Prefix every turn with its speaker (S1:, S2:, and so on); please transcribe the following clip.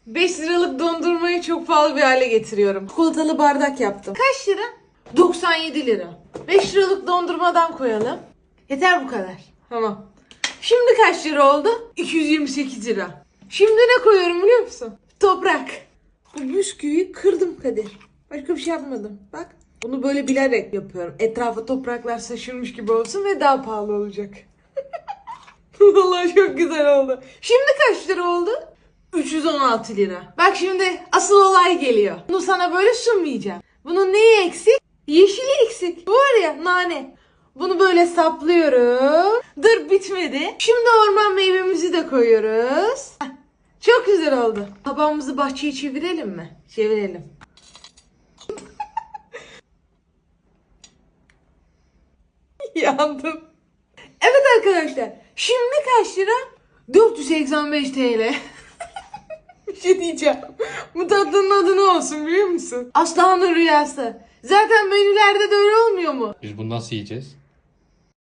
S1: 5 liralık dondurmayı çok pahalı bir hale getiriyorum. Çikolatalı bardak yaptım. Kaç lira? 97 lira. 5 liralık dondurmadan koyalım. Yeter bu kadar. Tamam. Şimdi kaç lira oldu? 228 lira. Şimdi ne koyuyorum biliyor musun? Toprak. Bu bisküviyi kırdım Kadir. Başka bir şey yapmadım. Bak. Bunu böyle bilerek yapıyorum. Etrafa topraklar saçılmış gibi olsun ve daha pahalı olacak. Vallahi çok güzel oldu. Şimdi kaç lira oldu? 316 lira. Bak şimdi asıl olay geliyor. Bunu sana böyle sunmayacağım. Bunun neyi eksik? Yeşili eksik. Bu var ya, nane. Bunu böyle saplıyorum. Dur, bitmedi. Şimdi orman meyvemizi de koyuyoruz. Heh, çok güzel oldu. Tabağımızı bahçeye çevirelim mi? Çevirelim. Yandım. Evet arkadaşlar. Şimdi kaç lira? 485 TL. Bir şey diyeceğim. Bu tatlının adı ne olsun biliyor musun? Aslanın rüyası. Zaten menülerde de öyle olmuyor mu?
S2: Biz bunu nasıl yiyeceğiz?